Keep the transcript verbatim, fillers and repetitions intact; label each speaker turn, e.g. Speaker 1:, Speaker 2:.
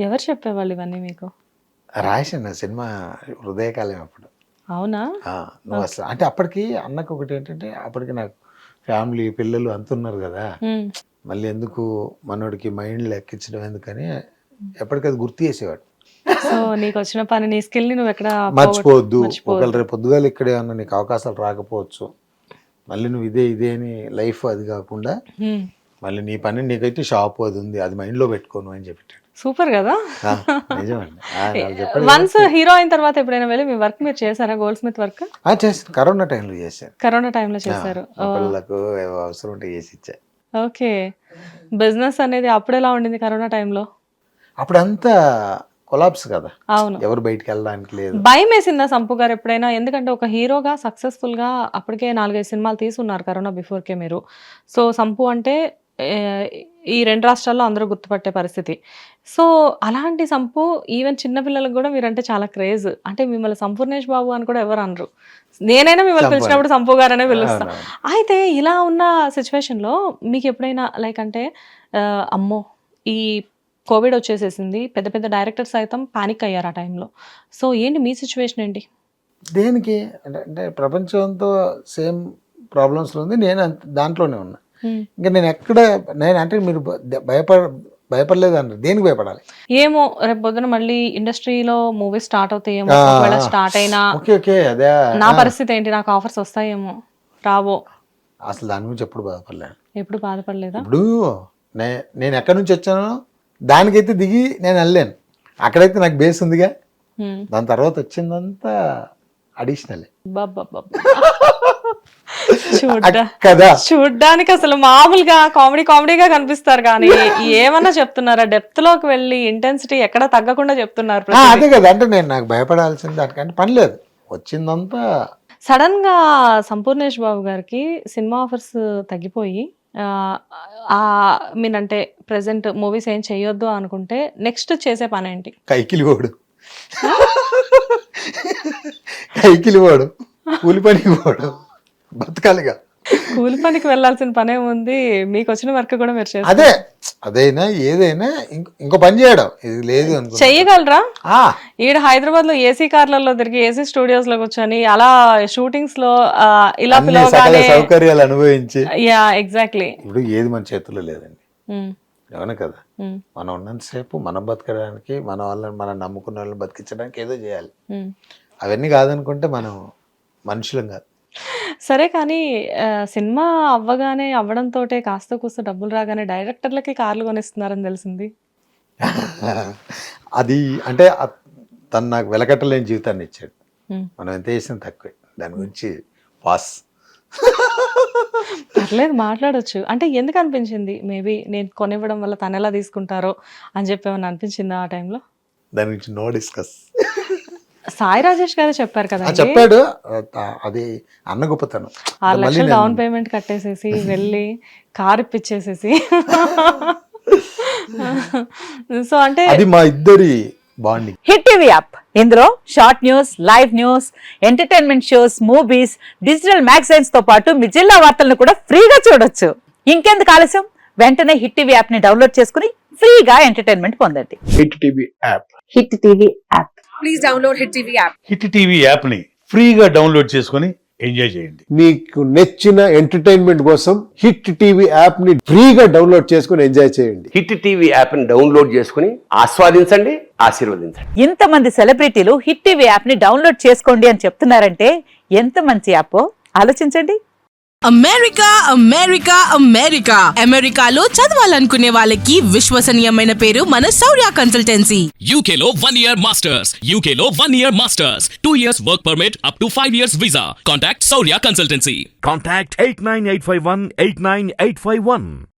Speaker 1: ఎవరు చెప్పేవాళ్ళు ఇవన్నీ మీకు?
Speaker 2: రాశాను సినిమా హృదయకాలం అప్పుడు.
Speaker 1: అవునా?
Speaker 2: నువ్వు అసలు అంటే అప్పటికి అన్నకు ఒకటి ఏంటంటే అప్పటికి నాకు ఫ్యామిలీ పిల్లలు అంతున్నారు కదా, మళ్ళీ ఎందుకు మనోడికి మైండ్ లెక్కించడం ఎందుకని ఎప్పటికది గుర్తు చేసేవాడు.
Speaker 1: సో నీకు వచ్చిన పని, నీ స్కిల్ ని నువ్వు ఎక్కడ
Speaker 2: మర్చిపోవద్దు. ఒకవేళ రేపు పొద్దుగాలు ఇక్కడ ఏమన్నా నీకు అవకాశాలు రాకపోవచ్చు, మళ్ళీ నువ్వు ఇదే ఇదే అని లైఫ్ అది కాకుండా మళ్ళీ నీ పని నీకైతే షాప్ అది ఉంది, అది మైండ్లో పెట్టుకోను అని చెప్పాడు.
Speaker 1: సూపర్ కదా.
Speaker 2: నిజమండి.
Speaker 1: వన్స్ హీరో అయిన తర్వాత ఎప్పుడైనా వెళ్ళి మీ వర్క్ మీరు చేశారా? గోల్డ్ స్మిత్ వర్క్
Speaker 2: చేశాను, కరోనా టైంలో చేశాను.
Speaker 1: కరోనా టైంలో చేశారు.
Speaker 2: పిల్లలకు అవసరం ఉంటే చేసి ఇచ్చా.
Speaker 1: ఓకే. బిజినెస్ అనేది అప్పుడు ఎలా ఉండింది కరోనా టైంలో?
Speaker 2: అప్పుడంతా కొలాప్స్ కదా.
Speaker 1: అవును,
Speaker 2: ఎవరు బయటికి వెళ్ళడానికి లేదు.
Speaker 1: భయం వేసిందా సంపు గారు ఎప్పుడైనా? ఎందుకంటే ఒక హీరోగా సక్సెస్ఫుల్ గా అప్పటికే నాలుగైదు సినిమాలు తీసుకున్నారు కరోనా బిఫోర్ కే మీరు. సో సంపు అంటే ఈ రెండు రాష్ట్రాల్లో అందరూ గుర్తుపట్టే పరిస్థితి. సో అలాంటి సంపు ఈవెన్ చిన్నపిల్లలకు కూడా మీరంటే చాలా క్రేజ్. అంటే మిమ్మల్ని సంపూర్ణేష్ బాబు అని కూడా ఎవరు అనరు. నేనైనా మిమ్మల్ని పిలిచినప్పుడు సంపు గారనే పిలుస్తాను. అయితే ఇలా ఉన్న సిచ్యువేషన్లో మీకు ఎప్పుడైనా లైక్ అంటే అమ్మో ఈ కోవిడ్ వచ్చేసేసింది, పెద్ద పెద్ద డైరెక్టర్స్ సైతం పానిక్ అయ్యారు ఆ టైంలో. సో ఏంటి మీ సిచ్యువేషన్ ఏంటి?
Speaker 2: దేనికి అంటే ప్రపంచంతో సేమ్ ప్రాబ్లమ్స్లో ఉంది, నేను దాంట్లోనే ఉన్నా. ఇంకా నేను ఎక్కడ నేను అంటే మీరు భయపడ భయపడలేదు అన్నారు, దేనికి భయపడాలి?
Speaker 1: ఏమో రేపు పొద్దున మళ్ళీ ఇండస్ట్రీలో మూవీస్ స్టార్ట్ అవుతాయేమో, స్టార్ట్ అయినా
Speaker 2: అదే
Speaker 1: నా పరిస్థితి ఏంటి, నాకు ఆఫర్స్ వస్తాయేమో రావో,
Speaker 2: అసలు దాని గురించి ఎప్పుడు బాధపడలేదు.
Speaker 1: ఎప్పుడు బాధపడలేదా?
Speaker 2: ఇప్పుడు నేను ఎక్కడి నుంచి వచ్చానో దానికైతే దిగి నేను వెళ్ళాను, అక్కడైతే నాకు బేస్ ఉందిగా. దాని తర్వాత వచ్చిందంతా అడిషనల్
Speaker 1: కదా. చూడ్డానికి అసలు మామూలుగా కామెడీ కామెడీగా కనిపిస్తారు కానీ ఏమన్నా చెప్తున్నారా? డెప్త్ లోకి వెళ్ళి ఇంటెన్సిటీ ఎక్కడ తగ్గకుండా చెప్తున్నారు.
Speaker 2: అదే కదా, అంటే నేను నాకు భయపడాల్సింది దానికంటే పని లేదు, వచ్చిందంతా.
Speaker 1: సడన్ గా సంపూర్ణేష్ బాబు గారికి సినిమా ఆఫర్స్ తగ్గిపోయి మీనంటే ప్రెసెంట్ మూవీస్ ఏం చెయ్యొద్దు అనుకుంటే నెక్స్ట్ చేసే పని ఏంటి?
Speaker 2: కైకిలి పోడు కైకిలి పోడు కూలి పనికి పోడు, బతకాలిగా.
Speaker 1: కూలి పనికి వెళ్ళాల్సిన పనే ఉంది, మీకు వచ్చిన వర్క్ కూడా మీరు చేస్తారు.
Speaker 2: అదే అదైనా ఏదైనా ఇంకో పని చేయడం ఇది లేదు
Speaker 1: చెయ్యగలరా? ఈడ హైదరాబాద్ లో ఏసీ కార్లలో తిరిగి ఏసీ స్టూడియోస్ లో కూర్చొని అలా షూటింగ్స్ లో ఇలా పిలవగానే
Speaker 2: సౌకర్యాలు అనుభవించి.
Speaker 1: Yeah exactly.
Speaker 2: ఇప్పుడు ఏది మన చేతుల్లో లేదండి, అవును కదా. మనం ఉన్నంతసేపు మనం బతకడానికి, మన వాళ్ళని మనం నమ్ముకున్న వాళ్ళని బతికించడానికి ఏదో చేయాలి. అవన్నీ కాదనుకుంటే మనం మనుషులం కాదు.
Speaker 1: సరే కానీ సినిమా అవ్వగానే అవ్వడంతో కాస్త కూస్త డబ్బులు రాగానే డైరెక్టర్లకి కార్లు కొనిస్తున్నారని తెలిసింది.
Speaker 2: అది అంటే తను నాకు వెలకట్టలేని జీవితాన్ని ఇచ్చాడు, మనం ఎంత చేసినా తక్కువే. దాని గురించి పాస్.
Speaker 1: పర్లేదు మాట్లాడొచ్చు. అంటే ఎందుకు అనిపించింది? మేబీ నేను కొనివ్వడం వల్ల తను ఎలా తీసుకుంటారో అని చెప్పి ఏమన్నా అనిపించిందా ఆ టైంలో?
Speaker 2: దాని గురించి నో డిస్కస్.
Speaker 1: సాయి రాజేష్ గారు చెప్పారు కదా,
Speaker 2: చెప్పాడు. అది అన్న గొప్పతనం.
Speaker 1: ఆరు లక్షలు డౌన్ పేమెంట్ కట్టేసేసి వెళ్ళి కార్ ఇప్పించేసేసి, సో అంటే
Speaker 2: అది మా ఇద్దరి బాండింగ్.
Speaker 3: హిట్ టీవీ యాప్, ఇందులో short news, live news, entertainment shows, movies, digital magazines తో పాటు మీ జిల్లా వార్తలను కూడా ఫ్రీగా చూడొచ్చు. ఇంకెందుకు ఆలస్యం, వెంటనే హిట్ టీవీ యాప్ ని డౌన్లోడ్ చేసుకుని ఫ్రీగా ఎంటర్టైన్మెంట్ పొందండి.
Speaker 4: Hit TV app,
Speaker 3: hit TV app.
Speaker 5: Please download hit TV app.
Speaker 4: Hit TV app ని ఫ్రీగా డౌన్లోడ్ చేసుకుని ఎంజాయ్ చేయండి.
Speaker 6: మీకు నచ్చిన ఎంటర్టైన్మెంట్ కోసం హిట్ టీవీ యాప్ ని ఫ్రీగా డౌన్లోడ్ చేసుకుని ఎంజాయ్ చేయండి.
Speaker 7: హిట్ టీవీ యాప్ ని డౌన్లోడ్ చేసుకుని ఆస్వాదించండి, ఆశీర్వదించండి.
Speaker 3: ఇంతమంది సెలబ్రిటీలు హిట్ టీవీ యాప్ ని డౌన్లోడ్ చేసుకోండి అని చెప్తున్నారంటే ఎంత మంచి యాప్ ఆలోచించండి.
Speaker 5: అమెరికా అమెరికా అమెరికా అమెరికాలో చదవాలనుకునే వాళ్ళకి విశ్వసనీయమైన పేరు మన శౌర్య కన్సల్టెన్సీ.
Speaker 8: యూకేలో వన్ ఇయర్ మాస్టర్స్, యూకేలో one year masters, two years work permit, up to five years visa. Contact Shaurya consultancy.
Speaker 9: Contact eight nine eight five one eight nine eight five one.